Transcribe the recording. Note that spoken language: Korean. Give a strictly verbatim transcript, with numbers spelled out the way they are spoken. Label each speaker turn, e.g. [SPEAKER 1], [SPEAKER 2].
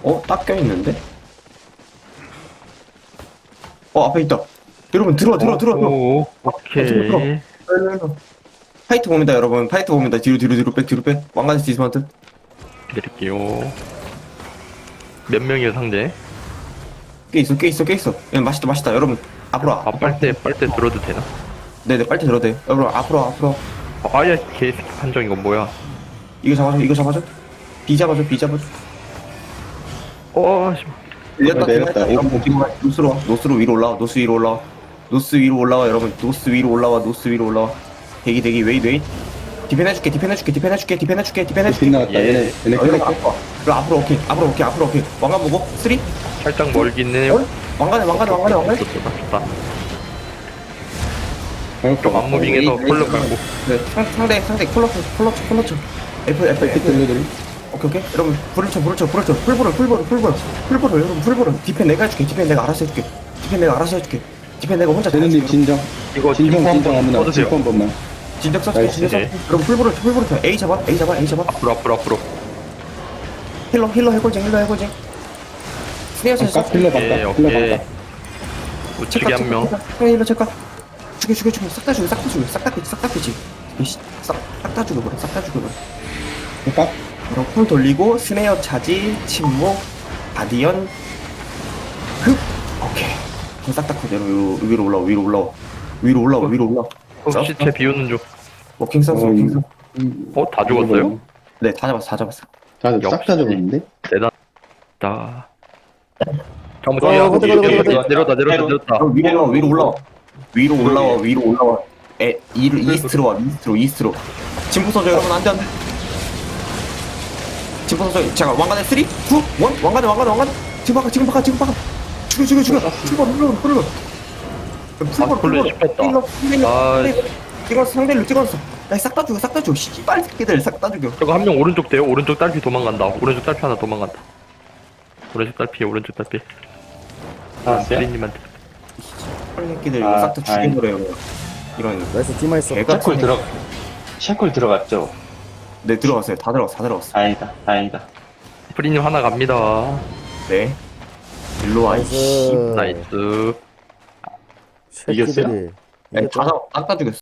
[SPEAKER 1] 어? 딱 껴있는데? 어 앞에 있다. 여러분 들어와 들어와 들어와 들어와.
[SPEAKER 2] 오,
[SPEAKER 1] 들어와 들어와 들어와.
[SPEAKER 2] 오케이.
[SPEAKER 1] 일로, 일로. 파이트 봅니다 여러분. 파이트 봅니다. 뒤로 뒤로 뒤로 백 뒤로 백. 왕관의 디스마운트.
[SPEAKER 2] 드릴게요. 몇 명이에요, 상대?
[SPEAKER 1] 꽤 있어 꽤 있어 꽤 있어. 야, 맛있다 맛있다 여러분. 앞으로 와.
[SPEAKER 2] 아, 빨대, 빨대 들어도 되나?
[SPEAKER 1] 네네 빨리 들어도 돼. 여러분 앞으로 와, 앞으로 와.
[SPEAKER 2] 아, 아야, 개새끼 판정 이건 뭐야?
[SPEAKER 1] 이거 잡아줘 이거 잡아줘. 비 잡아줘 비 잡아줘.
[SPEAKER 2] 어, 씨.
[SPEAKER 1] 밀렸다
[SPEAKER 3] 내렸다.
[SPEAKER 1] 여러분 뒤로 가. 노스로 와. 노스로 위로 올라와. 노스 위로 올라와. 노스 위로 올라와 여러분. 노스 위로 올라와. 노스 위로 올라와. 대기 대기 웨이 웨이. 디펜 해줄게 디펜 해줄게 디펜 해줄게 디펜 해줄게 디펜 해줄게.
[SPEAKER 3] 빗 나갔다.
[SPEAKER 2] 예.
[SPEAKER 3] 얘네 얘네
[SPEAKER 1] 어, 여러분
[SPEAKER 3] 클릭해.
[SPEAKER 1] 앞으로 와. 그리고 앞으로 오케이 앞으로 오케이 앞으로 오케이. 왕관 보고 쓰리.
[SPEAKER 2] 살짝 멀긴 해요.
[SPEAKER 1] 어? 왕관에 왕관에 왕관에 왕관에.
[SPEAKER 2] 좋다, 좋다.
[SPEAKER 3] 방금
[SPEAKER 2] 좀 안무빙해서
[SPEAKER 1] 웨이,
[SPEAKER 2] 콜로
[SPEAKER 1] 웨이.
[SPEAKER 2] 깔고.
[SPEAKER 1] 네, 상, 상대 상대 콜러쳐 콜러쳐 콜러쳐. F F
[SPEAKER 3] 이렇게
[SPEAKER 1] F.
[SPEAKER 3] 들려드림.
[SPEAKER 1] 오케이 오케이 여러분 불을 쳐 불을 쳐 불을 쳐 풀보를 풀보를 풀보를 풀보를 여러분 풀보를 디펜 내가 해줄게 디펜 내가 알아서 해줄게 디펜 내가 알아서 해줄게 디펜 내가 혼자 다
[SPEAKER 3] 제누님
[SPEAKER 1] 해줄게.
[SPEAKER 3] 진정.
[SPEAKER 2] 이거
[SPEAKER 3] 진정
[SPEAKER 2] 팀포
[SPEAKER 3] 진정
[SPEAKER 2] 한번
[SPEAKER 3] 아무나.
[SPEAKER 2] 써주세요.
[SPEAKER 3] 진정 한 번만.
[SPEAKER 1] 진작 써줄게
[SPEAKER 3] 나이스.
[SPEAKER 1] 진작 써줄게 여러분 풀보를 쳐 풀보를 쳐 A 잡아 A 잡아 A 잡아
[SPEAKER 2] 앞으로, 앞으로, 앞으로.
[SPEAKER 1] 힐러 힐러 해골쟁 힐러 해골쟁 스네어 쳤어
[SPEAKER 3] 바깥 필러
[SPEAKER 2] 오케이,
[SPEAKER 3] 바깥. 필러
[SPEAKER 2] 오케이.
[SPEAKER 3] 바깥.
[SPEAKER 2] 우측에 한 명.
[SPEAKER 1] 스네어 힐러 체크 죽여 죽여 죽여 싹 다 죽여 싹 다 죽여 싹 다 피지 싹 다 피지 싹 다 죽여버려 싹 다 죽여버려
[SPEAKER 3] 바깥.
[SPEAKER 1] 그럼 空 돌리고 스네어 차지 침묵 가디언 흡 오케이 싹 다 커 내려 위로 올라와 위로 올라와 위로 올라와 위로 올라와
[SPEAKER 2] 어, 시체 비우는 중.
[SPEAKER 1] 워킹 선수 워킹 선수
[SPEAKER 3] 음,
[SPEAKER 2] 어, 다 죽었어요?
[SPEAKER 1] 네 다 잡았어 다 잡았어
[SPEAKER 3] 다들 싹다
[SPEAKER 2] 역시.
[SPEAKER 3] 잡았는데?
[SPEAKER 2] 대단하다. 잠깐만,
[SPEAKER 4] 어,
[SPEAKER 2] 야,
[SPEAKER 4] 가자,
[SPEAKER 2] 내려-
[SPEAKER 4] 가자, 가자,
[SPEAKER 2] 내려- 내려다, 내려다, 내렸다.
[SPEAKER 1] 어, 위로 올라와 위로 올라와 위로 올라와 위로 올라와 에 이로 이스트로 와 이스트로 이스트로 진포 선수 여러분 안돼 안돼 진포 선수 잠깐 왕관에 쓰리 투 원 왕관에 왕관에 왕관에 지금 박아 지금 박아 지금 박아 죽여 죽여 죽여 죽여 눌러 눌러
[SPEAKER 2] 아, 콜로 씹혔다. 아,
[SPEAKER 1] 찍었어 상대를 찍었어 야싹다 죽여 싹 다 죽여 씨발 새끼들 싹 다 죽여
[SPEAKER 2] 저거 한 명 오른쪽 돼요? 오른쪽 딸피 도망간다. 오른쪽 딸피 하나 도망간다. 오른쪽 딸피, 오른쪽 딸피.
[SPEAKER 3] 아,
[SPEAKER 2] 스리님한테.
[SPEAKER 1] 씨발 새끼들
[SPEAKER 3] 아,
[SPEAKER 1] 싹 다 죽여버려요 이런
[SPEAKER 4] 나이스 팀마 있어.
[SPEAKER 1] 개가
[SPEAKER 5] 샤콜 들어 샤콜 들어갔죠?
[SPEAKER 1] 네 들어갔어요 다 들어갔어 다 들어갔어
[SPEAKER 5] 다행이다 다행이다.
[SPEAKER 2] 프리님 하나 갑니다.
[SPEAKER 1] 네 일로 와
[SPEAKER 4] 나이스.
[SPEAKER 1] 이씨
[SPEAKER 2] 나이스.
[SPEAKER 5] 이겼어요?
[SPEAKER 4] 새끼들이.
[SPEAKER 1] 다, 다 죽였어